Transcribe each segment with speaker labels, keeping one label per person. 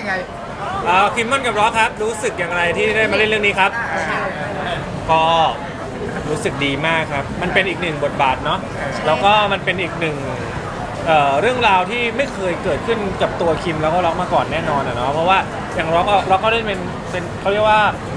Speaker 1: ไง
Speaker 2: คิมมอนกับร็อกครับรู้สึกอย่างไรที่ได้มาเล่นเรื่องนี้ครับก็รู้สึกดีมากครับมันเป็นอีกหนึ่งบทบาทเนาะแล้วก็มันเป็นอีกหนึ่งเรื่องราวที่ไม่เคยเกิดขึ้นกับตัวคิมแล้วก็ร็อกมาก่อนแน่นอนเนาะเพราะว่าอย่างร็อกก็เล่นเป็นเขาเรียกว่า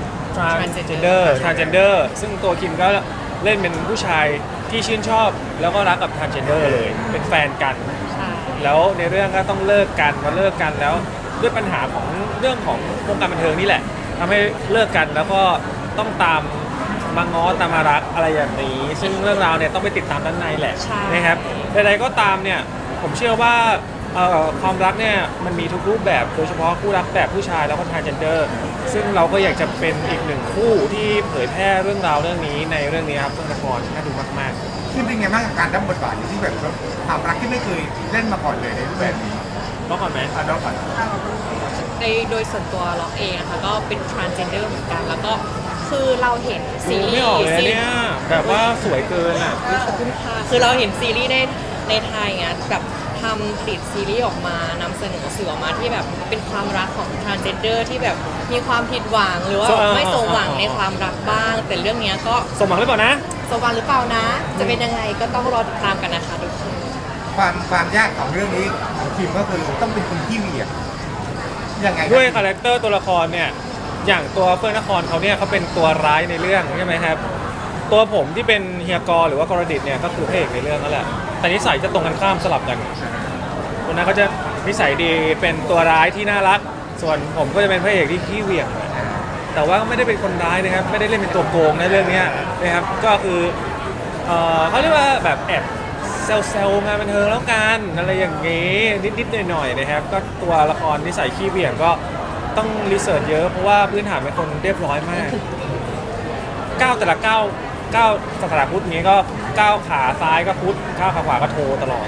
Speaker 2: transgender ซึ่งตัวคิมก็เล่นเป็นผู้ชายที่ชื่นชอบแล้วก็รักกับ transgender เลยเป็นแฟนกันแล้วในเรื่องก็ต้องเลิกกันมาเลิกกันแล้วด้วยปัญหาของเรื่องของวงการบันเทิงนี่แหละทำให้เลิกกันแล้วก็ต้องตามมาง้อตามมารักอะไรอย่างนี้ซึ่งเรื่องราวเนี่ยต้องไปติดตามด้านในแหละนะครับใดๆก็ตามเนี่ยผมเชื่อว่าความรักเนี่ยมันมีทุกรูปแบบโดยเฉพาะคู่รักแบบผู้ชายแล้วก็ transgender ซึ่งเราก็อยากจะเป็นอีกหนึ่งคู่ที่เผยแพร่เรื่องราวเรื่องนี้ในเรื่องนี้ครับเรื่องละครน่าดูมาก
Speaker 1: ๆคือเป็นไงบ้างกับการรับบทบาทที่แบบความรักที่ไม่เคยเล่นมาก่อนเลยในรูปแบบนี้
Speaker 2: ร้องก่อนไหม
Speaker 1: ร้องก่อน
Speaker 3: โดยส่วนตัวล็อกเองนะคะก็เป็น transgender เหมือนกันแล้วก็คือเราเห็นซีรีส์
Speaker 2: ไม่ออกเลยเนี่ยแบบว่าสวยเกินอ่ะ
Speaker 3: ขอบคุณค่ะคือเราเห็นซีรีส์ในไทยไงแบบทำผลิตซีรีส์ออกมานำเสนอสื่อออกมาที่แบบเป็นความรักของ transgender ที่แบบมีความผิดหวังหรือว่าไม่สมหวังในความรักบ้างแต่เรื่องนี้ก็
Speaker 2: สมหวังหรือเปล่านะ
Speaker 3: สมหวังหรือเปล่านะจะเป็นยังไงก็ต้องรอติดตามกันนะคะทุกคน
Speaker 1: ความยากของเรื่องนี้ของคิมก็คือต้องเป็นคนที่เหวี่ยงยังไง
Speaker 2: ด้วยคาแรคเตอร์ตัวละครเนี่ยอย่างตัวเฟิร์นนครเขาเนี่ยเขาเป็นตัวร้ายในเรื่องใช่ไหมครับตัวผมที่เป็นเฮียกรหรือว่ากรดิตเนี่ยก็คือพระเอกในเรื่องนั่นแหละแต่นิสัยจะตรงกันข้ามสลับกันคนนั้นก็จะนิสัยดีเป็นตัวร้ายที่น่ารักส่วนผมก็จะเป็นพระเอกที่ขี้เหวี่ยงแต่ว่าไม่ได้เป็นคนร้ายนะครับไม่ได้เล่นเป็นตัวโกงในเรื่องนี้นะครับก็คือเขาเรียกว่าแบบแอบเซลงานบันเทิงแล้วกันอะไรอย่างงี้นิดๆหน่อยๆนะครับก็ตัวละครนิสัยขี้เหวี่ยงก็ต้องรีเสิร์ชเยอะเพราะว่าพื้นฐานเป็นคนเรียบร้อยมากก้าวแต่ละก้าวสถาพุทธนี้ก็ก้าวขาซ้ายก็พุทธก้าวขาขวาก็โทตลอด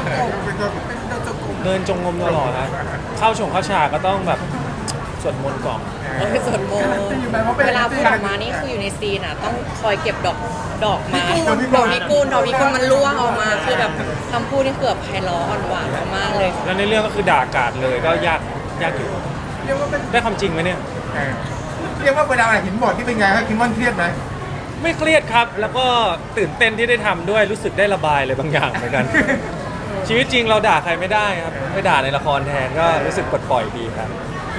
Speaker 2: เดินจงกรมตลอดนะเข้าฉากก็ต้องแบบสวดมนต์ก่อน
Speaker 3: สวดมนต์เวลาพูดออกมานี่คืออยู่ในซีนอ่ะต้องคอยเก็บดอกไม้ดอกพิกุลมันร่วงออกมาคือแบบคำพูดนี่เกือบไพเราะอ่อนหวานมากเลย
Speaker 2: แล้วในเรื่องก็คือด่ากาดเลยก็ยากอยู่ได้ความจริงไหมเนี่ย
Speaker 1: เรียกว่าเวลาเห็นบทที่เป็นไงครับคิมมอนเครียดไหม
Speaker 2: ไม่เครียดครับแล้วก็ตื่นเต้นที่ได้ทำด้วยรู้สึกได้ระบายอะไรบางอย่างเหมือนกันชีวิตจริงเราด่าใครไม่ได้ครับไปด่าในละครแทนก็รู้สึกปลดปล่อยดีครับ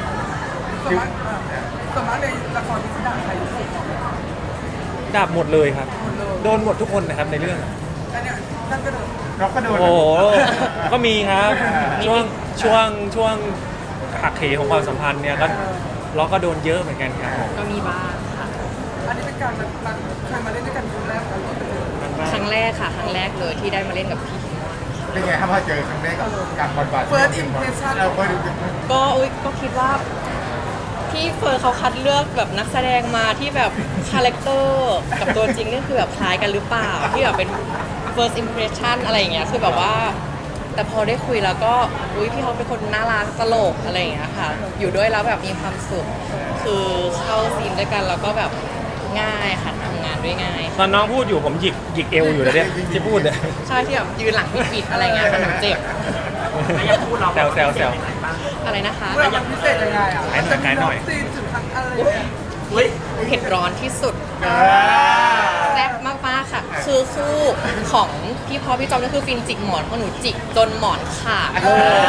Speaker 4: สมัยในละครที่ด่าใคร
Speaker 2: ด่าหมดเลยครับโดนหมดทุกคนนะครับในเรื่อง
Speaker 4: นั่นก็โดน
Speaker 1: เราก็โดน
Speaker 2: โอ้ก็มีครับช่วงหักเหของความสัมพันธ์เนี่ยก็เราก็โดนเยอะเหมือนกันครับ
Speaker 3: ก็มีบ้างค่ะ
Speaker 4: อันนี้เป็นการเคยมาเล่นด้วยกัน
Speaker 3: ครั้งแรกค่ะครั้งแรกเลยที่ได้มาเล่นกับพี่
Speaker 1: เป็นไงครับพอเจอครั้งแรกกับการบทบาท
Speaker 4: First impression
Speaker 3: ก็คิดว่าพี่เฟิร์นเขาคัดเลือกแบบนักแสดงมาที่แบบคาแรคเตอร์กับตัวจริงนี่คือแบบคล้ายกันหรือเปล่าที่แบบเป็น first impression อะไรอย่างเงี้ยคือแบบว่าแต่พอได้คุยแล้วก็พี่เขาเป็นคนน่ารักตลกอะไรอย่างเงี้ยค่ะอยู่ด้วยแล้วแบบมีความสุขคือเข้าซีนด้วยกันแล้วก็แบบง่ายค่ะทำงานด้วยง่าย
Speaker 2: ตอนน้องพูดอยู่ผมหยิกเอวอยู่เลยเนี่ยที่พูดเนี่ย
Speaker 3: ใช่ที่แบบยืนหลังปิดอะไรเงี้ยมันเจ็บ
Speaker 2: แซว
Speaker 3: อะไรนะคะ
Speaker 4: ยังพิเศษยังไงอ่ะ
Speaker 2: ขายหน่อย
Speaker 4: ซีนสุดท้ายอะไร
Speaker 3: เผ็ดร้อนที่สุดแซ่บมากๆค่ะคือคู่ของพี่พอพี่จอมนี่คือฟินจิกหมอนของหนูจิกจนหมอนขาด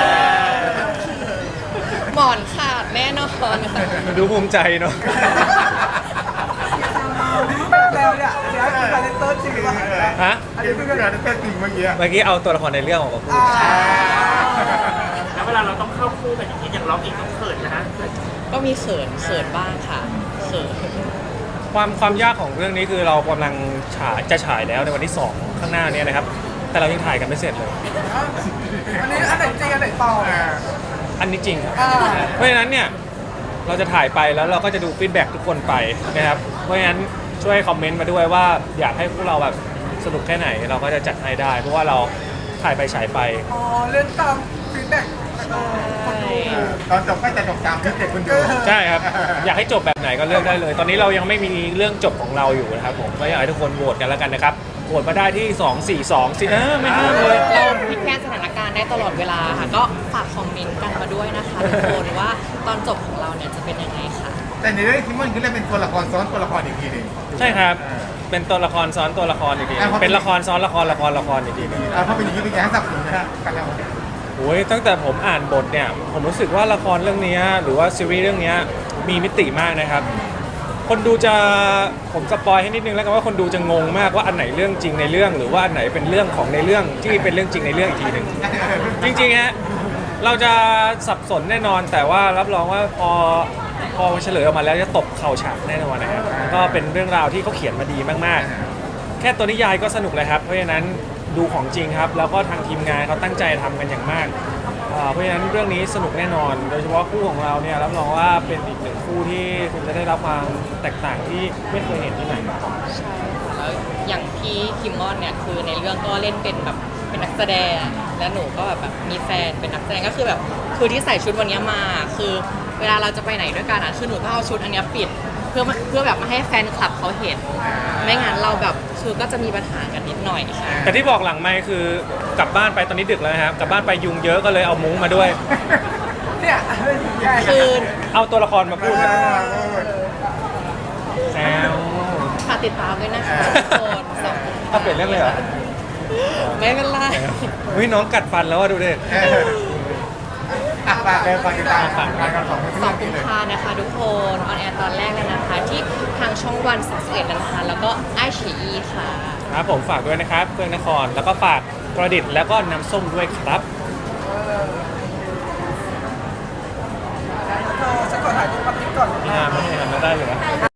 Speaker 3: หมอนขาดแน่นอน
Speaker 2: ดูภูมิใจเนาะ
Speaker 4: แล้วเนี่ยเดี๋ยวคือการเล่นเตอร์จริงป่ะ
Speaker 2: ฮะ
Speaker 1: อันนี้คือการเล่นเตอร์จริงเมื่อกี้
Speaker 2: เอาตัวละครในเรื่องออกมาพูด
Speaker 5: แล้วเวลาเราต้องเข้าคู่กันอย่างร้องเองต้องเขินนะฮะ
Speaker 3: ก็มีเขินบ้างค่ะเขิน
Speaker 2: ความยากของเรื่องนี้คือเรากำลังจะฉายแล้วในวันที่2ข้างหน้านี้นะครับแต่เรายังถ่ายกันไม่เสร็จเลย
Speaker 4: อันนี้อันไหนจริงอันไหนปลอม
Speaker 2: อันนี้จริงครับเพราะฉะนั้นเนี่ยเราจะถ่ายไปแล้วเราก็จะดูฟีดแบ็กทุกคนไปนะครับเพราะฉะนั้นช่วยคอมเมนต์มาด้วยว่าอยากให้พวกเราแบบสนุกแค่ไหนเราก็จะจัดให้ได้เพราะว่าเราถ่ายไปฉายไป
Speaker 4: เล่นตามฟีดแบ็ก
Speaker 1: ตอนจบก็จะจบตามที่เด็กคนดู
Speaker 2: ใช่ครับอยากให้จบแบบไหนก็เลือกได้เลยตอนนี้เรายังไม่มีเรื่องจบของเราอยู่นะครับผมก็อยากให้ทุกคนโหวตกันแล้วกันนะครับโหวตมาได้ที่ 242สิไม่ห้ามเลย
Speaker 3: เราพลิกแพลงสถานการณ์ได้ตลอดเวลาค่ะ ก็ฝากคอมเมนต์กันมาด้วยนะคะทุกคนว่าตอนจบของเราเนี่ยจะเป็นยังไงค่ะ
Speaker 1: แต่ในเรื่องคิมมอนคือเล่นเป็นตัวละครซ้อนตัวละครอีกทีหนึ่ง
Speaker 2: ใช่ครับเป็นตัวละครซ้อนตัวละครอีกที
Speaker 1: อ่ะเพราะ
Speaker 2: เป็นละครซ้อนละครอีกทีหนึง
Speaker 1: เพราะเป็นอย่างนี้เป็นยังไงให้สับสนนะฮะกันแล้ว
Speaker 2: โอ้ยตั้งแต่ผมอ่านบทเนี่ยผมรู้สึกว่าละครเรื่องนี้หรือว่าซีรีส์เรื่องนี้มีมิติมากนะครับ คนดูจะผมสปอยให้นิดนึงแล้วกันว่าคนดูจะงงมากว่าอันไหนเรื่องจริงในเรื่อง หรือว่าอันไหนเป็นเรื่องของในเรื่องที่เป็นเรื่องจริงในเรื่องอีกทีหนึ่งจริงๆฮะเราจะสับสนแน่นอน แต่ว่ารับรองว่าพอเฉลยออกมาแล้วจะตบเข่าฉากแน่นอนนะครับก็เป็นเรื่องราวที่เขาเขียนมาดีมากๆ แค่ตัวนิยายก็สนุกเลยครับเพราะฉะนั้นดูของจริงครับแล้วก็ทางทีมงานเขาตั้งใจทำกันอย่างมากเพราะฉะนั้นเรื่องนี้สนุกแน่นอน โดยเฉพาะคู่ของเราเนี่ยรับรองว่าเป็นอีกหนึ่งคู่ที่คุณจะได้รับความแตกต่างที่ไม่เคยเห็นที่ไหนมาก่อน
Speaker 3: ใช่ค่ะแล้วอย่างพี่คิมมอนเนี่ยคือในเรื่องก็เล่นเป็นแบบเป็นนักแสดงและหนูก็แบบมีแฟนเป็นนักแสดงก็คือแบบคือที่ใส่ชุดวันนี้มาคือเวลาเราจะไปไหนด้วยกันคือหนูต้องเอาชุดอันเนี้ยปิดเพื่อแบบไม่ให้แฟนคลับเขาเห็นไม่งั้นเราแบบคือก็จะมีปัญหากันนิดหน่อยค่ะ
Speaker 2: แต่ที่บอกหลังไม่คือกลับบ้านไปตอนนี้ดึกแล้วนะครับกลับบ้านไปยุงเยอะก็เลยเอามุ้งมาด้วย
Speaker 4: เนี่ยใช่
Speaker 3: คือ
Speaker 2: เอาตัวละครมาพูดแซว
Speaker 3: ฝากติดตามด้วยนะคะทุกคนสอง
Speaker 2: ถ้าเปลี่ยนเรื่องเลยเหรอ
Speaker 3: ไม่เป็นไร
Speaker 2: เฮ้ยน้องกัดฟันแล้วอะดูดิ
Speaker 1: ฝากเลยฝากติดตามงานกันสอง
Speaker 3: สองกุมภานะคะทุกคนออนแอร์ตอนแรกเลยนะคะ ที่ทางช่องวัน31นะคะ แล้วก็ไอชีอีค่ะ
Speaker 2: ครับผมฝากด้วยนะครับเพื่อนนครแล้วก็ฝากกระดิษแล้วก็น้ำส้มด้วยครับ
Speaker 4: ฉันขอถ่ายรูปกับติ๊กก่อน
Speaker 2: พี่ฮามไม่ได้ทำได้เลยนะ